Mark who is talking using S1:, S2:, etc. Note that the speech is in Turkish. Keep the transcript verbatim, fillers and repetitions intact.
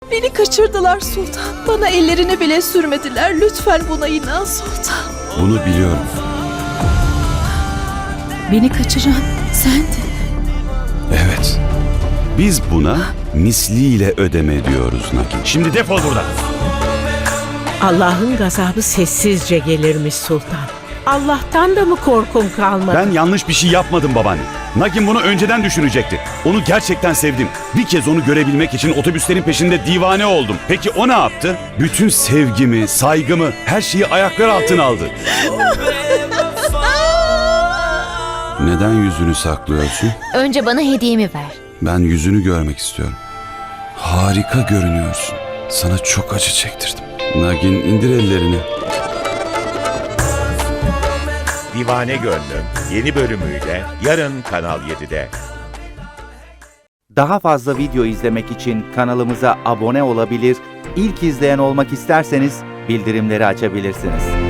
S1: Beni kaçırdılar sultan. Bana ellerini bile sürmediler. Lütfen buna inan sultan.
S2: Bunu biliyorum.
S1: Beni kaçıran sendin.
S2: Evet. Biz buna misliyle ödeme diyoruz Nagin. Şimdi defol buradan.
S3: Allah'ın gazabı sessizce gelirmiş sultan. Allah'tan da mı korkun kalmadı?
S2: Ben yanlış bir şey yapmadım babaanne. Nagin bunu önceden düşünecekti. Onu gerçekten sevdim. Bir kez onu görebilmek için otobüslerin peşinde divane oldum. Peki o ne yaptı? Bütün sevgimi, saygımı, her şeyi ayaklar altına aldı. Neden yüzünü saklıyorsun?
S4: Önce bana hediyemi ver.
S2: Ben yüzünü görmek istiyorum. Harika görünüyorsun. Sana çok acı çektirdim. Nagin indir ellerini.
S5: Divane Gönlüm yeni bölümüyle yarın Kanal yedide.
S6: Daha fazla video izlemek için kanalımıza abone olabilir, ilk izleyen olmak isterseniz bildirimleri açabilirsiniz.